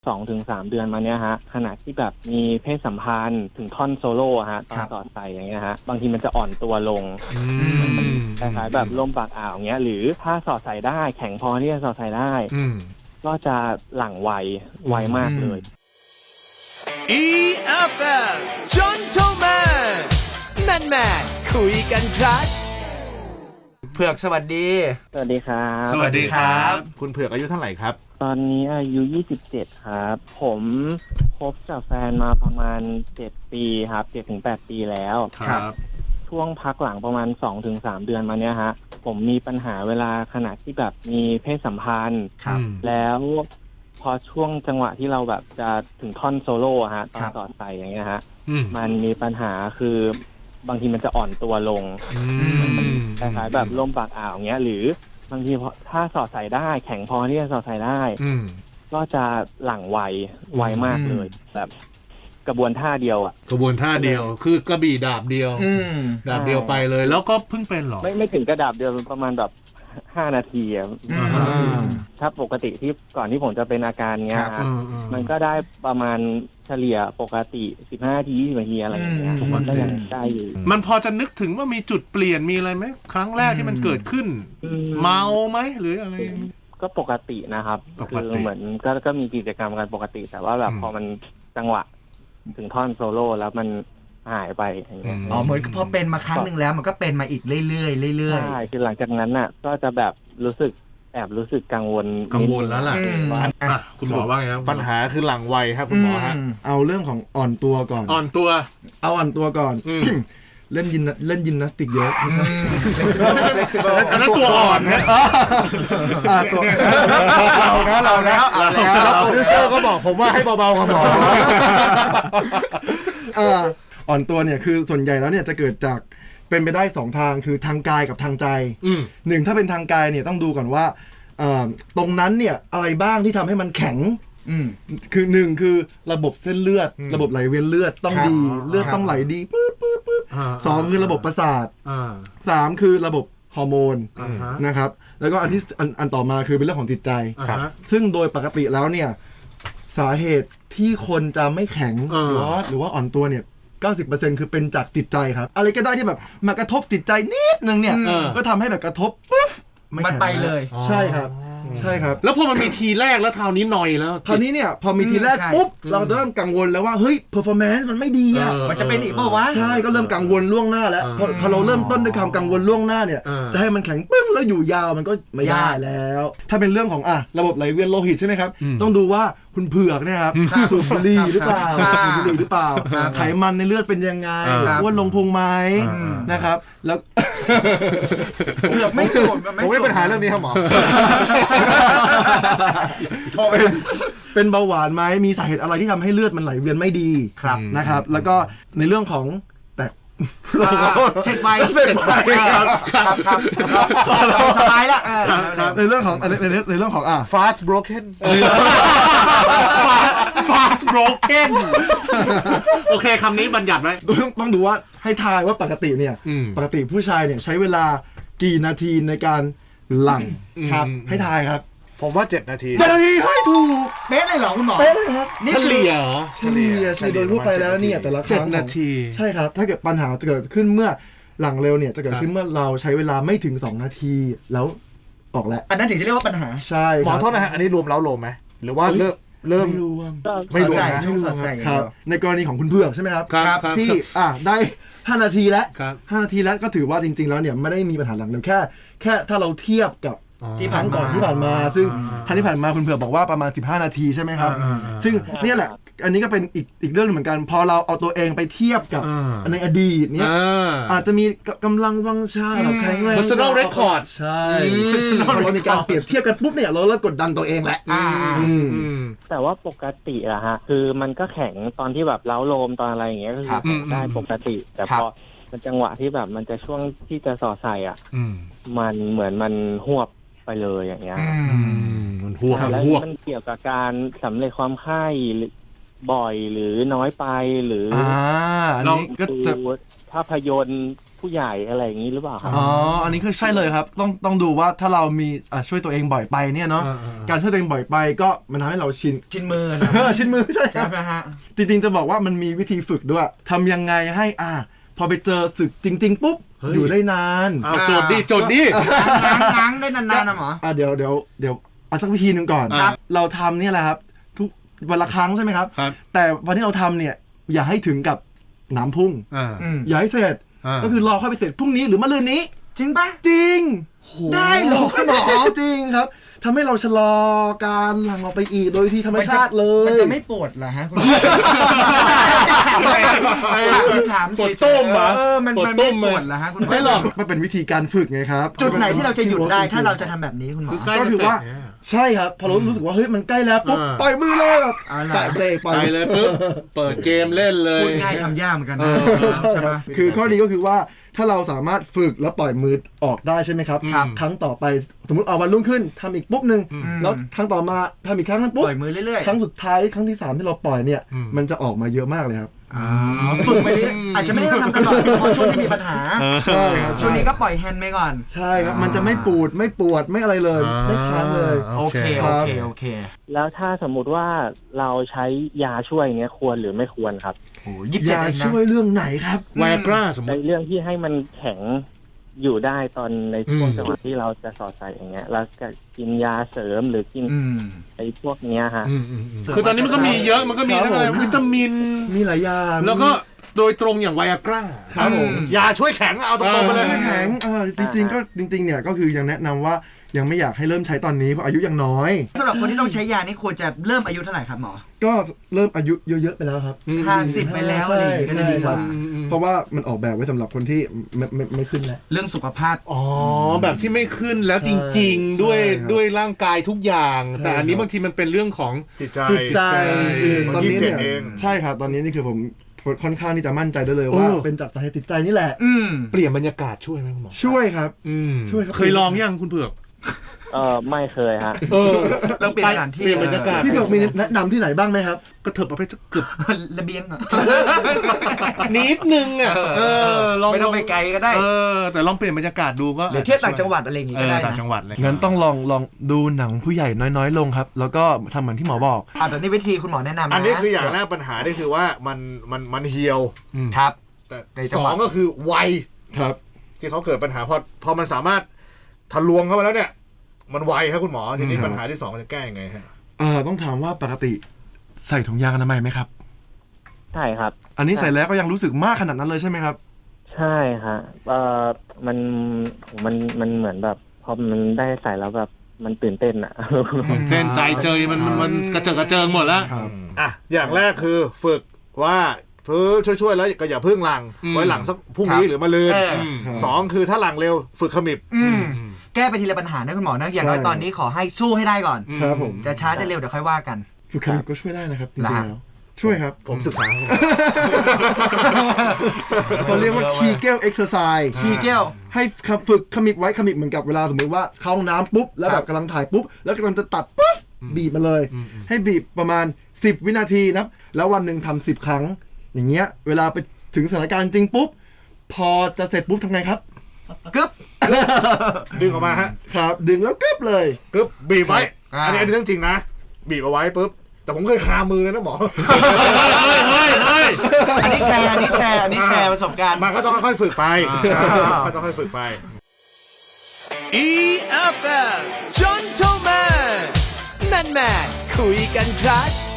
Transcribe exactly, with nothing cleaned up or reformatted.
สองถึงสามเดือนมาเนี้ยฮะขณะที่แบบมีเพศสัมพันธ์ถึงท่อนโซโล่ฮะตอนสอดใส่อย่างเงี้ยฮะบางทีมันจะอ่อนตัวลงคล้ายๆแบบลมปากอ่าวเงี้ยหรือถ้าสอดใส่ได้แข็งพอที่จะสอดใส่ได้ก็จะหลั่งไวไวมากเลยอี เอฟ เอ็ม Gentleman แมนแมนคุยกันครับเผือกสวัสดีสวัสดีครับสวัสดีครับคุณเผือกอายุเท่าไหร่ครับตอนนี้อายุยี่สิบเจ็ดครับผมคบกับแฟนมาประมาณเจ็ดปีครับ เจ็ดถึงแปด ปีแล้วครับช่วงพักหลังประมาณ สองถึงสาม เดือนมาเนี้ยฮะผมมีปัญหาเวลาขณะที่แบบมีเพศสัมพันธ์แล้วพอช่วงจังหวะที่เราแบบจะถึงท่อนโซโล่ฮะตอนต่อใส่อย่างเงี้ยฮะมันมีปัญหาคือบางทีมันจะอ่อนตัวลงคล้ายๆแบบลมปากอ่าวเงี้ยหรือบางทีถ้าสอดใส่ได้แข็งพอที่จะสอดใส่ได้ก็จะหลั่งไวไวมากเลยแบบกระบวนท่าเดียวอ่ะกระบวนท่าเดียวคือกระบี่ดาบเดียวดาบเดียวไปเลยแล้วก็เพิ่งเป็นหรอไม่ไม่ถึงกระดาบเดียวประมาณแบบห้านาทีอ่ะถ้าปกติที่ก่อนที่ผมจะเป็นอาการเงี้ยมันก็ได้ประมาณเฉลี่ยปกติสิบห้านาทียี่สิบนาทีอะไรอย่างเงี้ยมันก็ยังได้อยู่มันพอจะนึกถึงว่ามีจุดเปลี่ยนมีอะไรไหมครั้งแรกที่มันเกิดขึ้นเมาไหมหรืออะไรก็ปกตินะครับคือเหมือนก็ก็มีกิจกรรมกันปกติแต่ว่าแบบพอมันจังหวะถึงท่อนโซโล่แล้วมันหายไปอย่างเงี้ยอ๋อเหมือนพอเป็นมาครั้งหนึ่งแล้วมันก็เป็นมาอีกเรื่อยๆเรื่อยๆใช่คือหลังจากนั้นน่ะก็จะแบบรู้สึกแอบรู้สึกกังวลกังวลแล้วล่ะคุณหมอว่าไงครับปัญหาคือหลังไวครับคุณหมอฮะเอาเรื่องของอ่อนตัวก่อนอ่อนตัวเอาอ่อนตัวก่อนเล่นยินเล่นยิมนาสติกเยอะไม่ใช่ flexible อันนั้นตัวอ่อนนะตัวเรานะเรานะแล้วโปรดิวเซอร์ก็บอกผมว่าให้เบาๆครับหมออ่อนตัวเนี่ยคือส่วนใหญ่แล้วเนี่ยจะเกิดจากเป็นไปได้สองทางคือทางกายกับทางใจหนึ่งถ้าเป็นทางกายเนี่ยต้องดูก่อนว่าตรงนั้นเนี่ยอะไรบ้างที่ทำให้มันแข็งคือหนึ่งคือระบบเส้นเลือดระบบไหลเวียนเลือดต้องดีเลือดต้องไหลดีปึ๊บปึ๊บปึ๊บสองคือระบบประสาทสามคือระบบฮอร์โมนนะครับแล้วก็อันที่อันต่อมาคือเป็นเรื่องของจิตใจซึ่งโดยปกติแล้วเนี่ยสาเหตุที่คนจะไม่แข็งหรือว่าหรือว่าอ่อนตัวเนี่ยเก้าสิบเปอร์เซ็นต์ คือเป็นจากจิตใจครับอะไรก็ได้ที่แบบมากระทบจิตใจนิดนึงเนี่ยก็ทำให้แบบกระทบปุ๊บมันไปเลยใช่ครับใช่ครับแล้วพอมันมีทีแรกแล้วคราวนี้หน่อยแล้วคราวนี้เนี่ยพอมีทีแรกปุ๊บเราจะเริ่มกังวลแล้วว่าเฮ้ยเพอร์ฟอร์แมนซ์มันไม่ดีอ่ะมันจะเป็นอีกเปล่าวะใช่ก็เริ่มกังวลล่วงหน้าแล้วพอพอเราเริ่มต้นด้วยความกังวลล่วงหน้าเนี่ยจะให้มันแข็งปึ้งแล้วอยู่ยาวมันก็ไม่ได้แล้วถ้าเป็นเรื่องของอ่ะระบบไหลเวียนโลหิตใช่ไหมครับต้องดูว่าคุณเผือกเนี่ยครับสูบบุหรี่หรือเปล่าสูบบุหรี่หรือเปล่าไขมันในเลือดเป็นยังไงอ้วนลงพุงไหมนะครับแล้วเผือกไม่สูบผมไม่มีปัญหาเรื่องนี้ครับหมอเป็นเบาหวานไหมมีสาเหตุอะไรที่ทำให้เลือดมันไหลเวียนไม่ดีนะครับแล้วก็ในเรื่องของแต่เช็ดไว้เช็ดไว้ครับครับครับสบายละในเรื่องของในในเรื่องของอ่ะ fast broken fast broken โอเคคำนี้บัญญัติไว้ต้องดูว่าให้ทายว่าปกติเนี่ยปกติผู้ชายเนี่ยใช้เวลากี่นาทีในการหลั่งครับให้ทายครับผมว่าเจ็ดนาทีเจ็ดนาทีให้ถูกเป๊ะเลยเหรอคุณหมอเป๊ะเลยครับเฉลี่ยเหรอเฉลี่ยใช่โดยทั่วไปแล้วเนี่ยแต่ละครั้งเจ็ดนาทีใช่ครับถ้าเกิดปัญหาจะเกิดขึ้นเมื่อหลังเร็วเนี่ยจะเกิดขึ้นเมื่อเราใช้เวลาไม่ถึงสองนาทีแล้วออกแล้วอันนั้นถึงจะเรียกว่าปัญหาใช่หมอโทษนะฮะอันนี้รวมเล้าโลมไหมหรือว่าเริ่มเริ่มไม่รวมไม่รวมนะช่วงสอดใส่ครับในกรณีของคุณเผือกใช่ไหมครับที่อ่ะได้ห้านาทีแล้วห้านาทีแล้วก็ถือว่าจริงๆแล้วเนี่ยไม่ได้มีปัญหาหลังเร็วแค่แค่ถ้าเราเทียบกับที่ผ่านก่อนที่ผ่านมาซึ่งท่านที่ผ่านมาคุณเผือกบอกว่าประมาณสิบห้านาทีใช่ไหมครับซึ่งเนี่ยแหละอันนี้ก็เป็นอีกอีกเรื่องนึงเหมือนกันพอเราเอาตัวเองไปเทียบกับในอดีตเนี่ยอาจจะมีกำลังวังชาแข็งแรง personal record ใช่พอเรามีการเปรียบเทียบกันปุ๊บเนี่ยเราเริ่มกดดันตัวเองแหละแต่ว่าปกติอะฮะคือมันก็แข็งตอนที่แบบเล้าโลมตอนอะไรอย่างเงี้ยก็คือได้ปกติแต่พอมันจังหวะที่แบบมันจะช่วงที่จะสอดใส่อ่ะมันเหมือนมันหวบไปเลยอย่างเงี้ยมันหวบแล้วมันเกี่ยวกับการสำเร็จความไข้บ่อยหรือน้อยไปหรือเราก็จะภาพยนตร์ผู้ใหญ่อะไรอย่างนี้หรือเปล่าครับอ๋ออันนี้คือใช่เลยครับต้องต้องดูว่าถ้าเรามีอ่ะช่วยตัวเองบ่อยไปเนี่ยเนาะการช่วยตัวเองบ่อยไปก็มันทำให้เราชินชินมือชินมือใช่คครัรับบนะฮะจริงๆจะบอกว่ามันมีวิธีฝึกด้วยทำยังไงให้อ่ะพอไปเจอศึกจริง ๆปุ๊บอยู่ได้นานเอาโจทย์ดิโจทย์ดิง้างง้างได้นานๆนะหมออ่ะเดี๋ยวเดี๋ยวเดี๋ยวเอาสักวิธีหนึ่งก่อนครับเราทำเนี่ยแหละครับทุกวันละครั้งใช่ไหมครับครับแต่วันที่เราทำเนี่ยอย่าให้ถึงกับน้ำพุ่งอ่าอืมอย่าให้เสร็จอ่าก็คือรอค่อยไปเสร็จพรุ่งนี้หรือมะรืนนี้จริงปะจริง ได้เหรอคุณหมอจริงครับทำให้เราชะลอการหลั่งออกไปอีกโดยที่ธรรมชาติเลยมันจะไม่ปวดเหรอฮะคุณถามปวดต้มเหรอเออมันปวดมันต้ไม่มปวดเหรอฮะคุณไม่หรอกมันเป็นวิธีการฝึกไงครับจุดไหนที่เราจะหยุดได้ถ้าเราจะทำแบบนี้คุณหมอใกล้ก็จะคือเสร็จว่าเนี่ยใช่ครับพอเรารู้สึกว่าเฮ้ยมันใกล้แล้วปุ๊บอ่าปล่อยมือเลยแบบเอาล่ะแตะเบรกปล่อยไปเลยปุ๊บเปิดเกมเล่นเลยพูดง่ายทำยากเหมือนกันนะเออใช่ไหมคือข้อดีก็คือว่าถ้าเราสามารถฝึกแล้วปล่อยมือออกได้ใช่ไหมครับครับครั้งต่อไปสมมติเอาวันรุ่งขึ้นทำอีกปุ๊บหนึ่งอืมแล้วครั้งต่อมาทำอีกครั้งนั้นปุ๊บปล่อยมือเรื่อยๆครั้งสุดท้ายครั้งที่สามที่เราปล่อยเนี่ยอืมมันจะออกมาเยอะมากเลยครับอ๋อฝึกไปเรื่อยอาจจะไม่ได้ทำตลอดเพราะช่วงที่มีปัญหาใช่ครับช่วงนี้ก็ปล่อยแฮนด์ไปก่อนใช่ครับมันจะไม่ปูดไม่ปวดไม่อะไรเลยไม่ค้างเลยโอเคคโอรับเค โอเคแล้วถ้าสมมุติว่าเราใช้ยาช่วยเนี้ยควรหรือไม่ควรครับโอ้ยี่สิบเจ็ดยาเองนะช่วยเรื่องไหนครับไวอากราสมมในติเรื่องที่ให้มันแข็งอยู่ได้ตอนในช่วงอืมจังหวะที่เราจะสอดใส่อย่างเงี้ยแล้วก็กินยาเสริมหรือกินอืมไอ้พวกเนี้ยฮะอืมอืมอืมคือตอนนี้มันก็มีเยอะมันก็มีทั้งอะไรครับผมวิตามินมีหลายอย่างแล้วก็โดยตรงอย่างไวอากราครับผมยาช่วยแข็งเอาตรงๆไปเลยแข็งเออจริงๆก็จริงๆเนี่ยก็คือยังแนะนำว่ายังไม่อยากให้เริ่มใช้ตอนนี้เพราะอายุยังน้อยสำหรับคนที่ต้องใช้ยานี่ควรจะเริ่มอายุเท่าไหร่ครับหมอก็เริ่มอายุเยอะๆไปแล้วครับห้าสิบไปแล้วอะไรอย่างเงี้ยก็จะดีกว่าใช่ครับเพราะว่ามันออกแบบไว้สำหรับคนที่ไม่ไม่ไม่ขึ้นแล้วเรื่องสุขภาพอ๋อแบบที่ไม่ขึ้นแล้วจริง ๆ ด้วยใช่ครับด้วยร่างกายทุกอย่างใช่แต่อันนี้ครับบางทีมันเป็นเรื่องของจิตใจจิตใจคือมันตอนนี้เนี่ยยี่สิบเจ็ดเองใช่ครับตอนนี้นี่คือผมค่อนข้างที่จะมั่นใจได้เลยว่าเออเป็นจากสาเหตุจิตใจนี่แหละอืมเปลี่ยนบรรยากาศช่วยไหมคุณหมอช่วยครับอืมช่วยครับเคยลองยังคุณเผือกเออไม่เคยฮะเออเราเปลี่ยนสถานที่เปลี่ยนบรรยากาศพี่เบิร์กมีแนะนำที่ไหนบ้างไหมครับกระเถิบเอาไปสักเกือบระเบียงเหรอนิดนึงอ่ะเออลองไม่ต้องไปไกลก็ได้เออแต่ลองเปลี่ยนบรรยากาศดูก็เดี๋ยวเที่ยวต่างจังหวัดอะไรอย่างงี้เอก็อได้ต่างนะจังหวัดเลยงั้นต้องลองลองดูหนังผู้ใหญ่น้อยๆ ลงครับ แล้วก็ทำเหมือนที่หมอบอกอ่าแต่นี่วิธีคุณหมอแนะนำนะอันนี้คืออย่างแรกปัญหานี่คือว่ามันมันมันเหี่ยวอืมครับแต่ในจัสงหอวะงก็คือวัยครับที่เขาเกิดปัญหาพอพอมันสามารถทะลวงเข้ามาแล้วเนี่ย มันไวครับคุณหมอทีนี้อืมปัญหาที่สองมันจะแก้ยังไงฮะเออต้องถามว่าปกติใส่ถุงยางอนามัยไหมครับใช่ครับอันนี้ใส่แล้วก็ยังรู้สึกมากขนาดนั้นเลยใช่ไหมครับใช่ฮะเออมันมันมันเหมือนแบบพอมันได้ใส่แล้วแบบมันตื่นเต้นอะเต้นใจเจยมันมันมันกระเจิงกระเจิงหมดแล้วครับอ่ะอย่างแรกคือฝึกว่าเพื่อช่วยๆแล้วก็อย่าเพิ่งหลังอืมไว้หลังสักพรุ่งนี้ครับหรือมะรืนเอออืมครับสองคือถ้าหลังเร็วฝึกขมิบอืมแก้ไปทีละปัญหานะคุณหมอนะอย่างน้อยใช่ตอนนี้ขอให้สู้ให้ได้ก่อนครับผมจะช้าจะเร็วเดี๋ยวค่อยว่ากันฝึกขมิบก็ช่วยได้นะครับจริงๆนะแล้วช่วยครับผมศึกษาครับเขาเรียกว่า Kegel exercise คีเกลให้ฝึกขมิบไว้ขมิบเหมือนกับเวลาสมมติว่าเข้าห้องน้ำปุ๊บแล้วแบบกำลังถ่ายปุ๊บแล้วกำลังจะตัดปุ๊บบีบมาเลย ให้บีบประมาณสิบวินาทีนะครับแล้ววันหนึ่งทำสิบครั้ง อย่างเงี้ยเวลาไปถึงสถานการณ์จริงปุ๊บพอจะเสร็จปุ๊บทำไงครับกึ๊บดึงออกมาฮะครับดึงแล้วกึ๊บเลยกึ๊บบีบไว้อ่าอันนี้อันนี้เรื่องจริงนะ บีบเอาไว้ปุ๊บแต่ผมเคยคามือเลยนะหมอเฮ้ยเฮ้ยอันนี้แชร์อันนี้แชร์อันนี้แชร์ประสบการณ์มันก็ต้องค่อยๆฝึกไปอ่าก็ต้องค่อยๆฝึกไปอี เอฟ เอฟ Gentleman แมนแมนคุยกันครับ